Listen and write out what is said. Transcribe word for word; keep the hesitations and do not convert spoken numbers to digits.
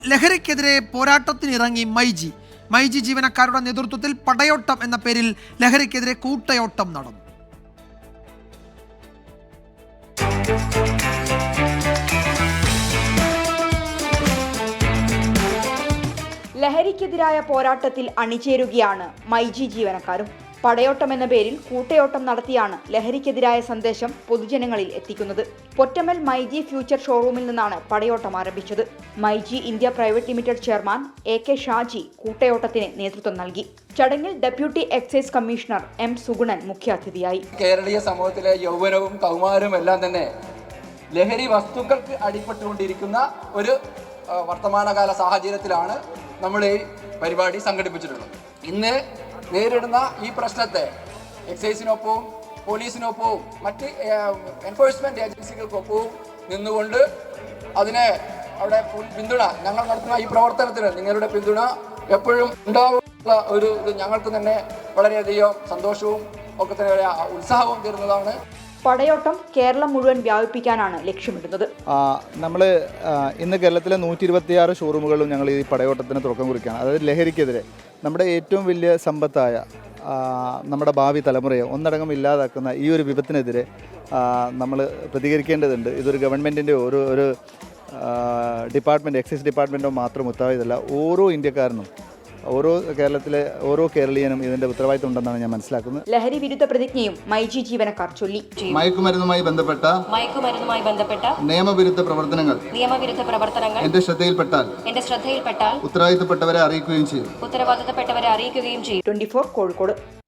ലഹരിക്കെതിരെ പോരാട്ടത്തിനിറങ്ങി മൈജി മൈജി ജീവനക്കാരുടെ നേതൃത്വത്തിൽ പടയോട്ടം എന്ന പേരിൽ ലഹരിക്കെതിരെ കൂട്ടയോട്ടം നടന്നു. ലഹരിക്കെതിരായ പോരാട്ടത്തിൽ അണിചേരുകയാണ് മൈജി ജീവനക്കാരും. പടയോട്ടം എന്ന പേരിൽ കൂട്ടയോട്ടം നടത്തിയാണ് ലഹരിക്കെതിരായ സന്ദേശം പൊതുജനങ്ങളിൽ എത്തിക്കുന്നത്. പൊറ്റമ്മൽ മൈജി ഫ്യൂച്ചർ ഷോറൂമിൽ നിന്നാണ് പടയോട്ടം ആരംഭിച്ചത്. MyG India private limited chairman A K Shaji കൂട്ടയോട്ടത്തിന് നേതൃത്വം നൽകി. ചടങ്ങിൽ deputy excise commissioner M Sugunan മുഖ്യാതിഥിയായി. കേരളീയ സമൂഹത്തിലെ യൗവനവും കൗമാരവും എല്ലാം തന്നെ ലഹരി വസ്തുക്കൾക്ക് അടിപ്പെട്ടുകൊണ്ടിരിക്കുന്ന ഒരു വർത്തമാനകാല സാഹചര്യത്തിലാണ് നമ്മൾ ഈ പരിപാടി സംഘടിപ്പിച്ചിട്ടുള്ളത്. ഇന്ന് നേരിടുന്ന ഈ പ്രശ്നത്തെ എക്സൈസിനൊപ്പവും പോലീസിനൊപ്പവും മറ്റ് എൻഫോഴ്സ്മെന്റ് ഏജൻസികൾക്കൊപ്പവും നിന്നുകൊണ്ട് അതിനെ അവിടെ പിന്തുണ ഞങ്ങൾ നടത്തുന്ന ഈ പ്രവർത്തനത്തിന് നിങ്ങളുടെ പിന്തുണ എപ്പോഴും ഉണ്ടാവുന്ന ഒരു ഇത് ഞങ്ങൾക്ക് തന്നെ വളരെയധികം സന്തോഷവും ഒക്കെ തന്നെ ഉത്സാഹവും തരുന്നതാണ്. പടയോട്ടം കേരളം മുഴുവൻ വ്യാപിപ്പിക്കാനാണ് ലക്ഷ്യമിടുന്നത്. നമ്മൾ ഇന്ന് കേരളത്തിലെ നൂറ്റി ഇരുപത്തിയാറ് ഷോറൂമുകളിലും ഞങ്ങൾ ഈ പടയോട്ടത്തിന് തുടക്കം കുറിക്കുകയാണ്. അതായത് ലഹരിക്കെതിരെ നമ്മുടെ ഏറ്റവും വലിയ സമ്പത്തായ നമ്മുടെ ഭാവി തലമുറയെ ഒന്നടങ്കം ഇല്ലാതാക്കുന്ന ഈ ഒരു വിപത്തിനെതിരെ നമ്മൾ പ്രതികരിക്കേണ്ടതുണ്ട്. ഇതൊരു ഗവൺമെൻറ്റിൻ്റെ ഒരു ഒരു ഡിപ്പാർട്ട്മെൻറ്റ് എക്സൈസ് ഡിപ്പാർട്ട്മെൻറ്റോ മാത്രം ഉത്തരവാദിത്തമല്ല. ഓരോ ഇന്ത്യക്കാരനും ഓരോ കേരളത്തിലെ ഓരോ കേരളീയനും ഇതിന്റെ ഉത്തരവാദിത്തം ഉണ്ടെന്നാണ് ഞാൻ മനസ്സിലാക്കുന്നത്. ലഹരി വിരുദ്ധ പ്രതിജ്ഞയും മൈജി ജീവനക്കാർ ചൊല്ലി. മയക്കുമരുന്നുമായി ബന്ധപ്പെട്ട മയക്കുമരുന്നുമായി ബന്ധപ്പെട്ട നിയമവിരുദ്ധ പ്രവർത്തനങ്ങൾ നിയമവിരുദ്ധ പ്രവർത്തനങ്ങൾ എന്റെ ശ്രദ്ധയിൽപ്പെട്ടാൽ എന്റെ ശ്രദ്ധയിൽപ്പെട്ടാൽ ഉത്തരവാദിത്തപ്പെട്ടവരെ അറിയിക്കുകയും ചെയ്യും ഉത്തരവാദിത്തപ്പെട്ടവരെ അറിയിക്കുകയും ചെയ്യും. Twenty four Kozhikode.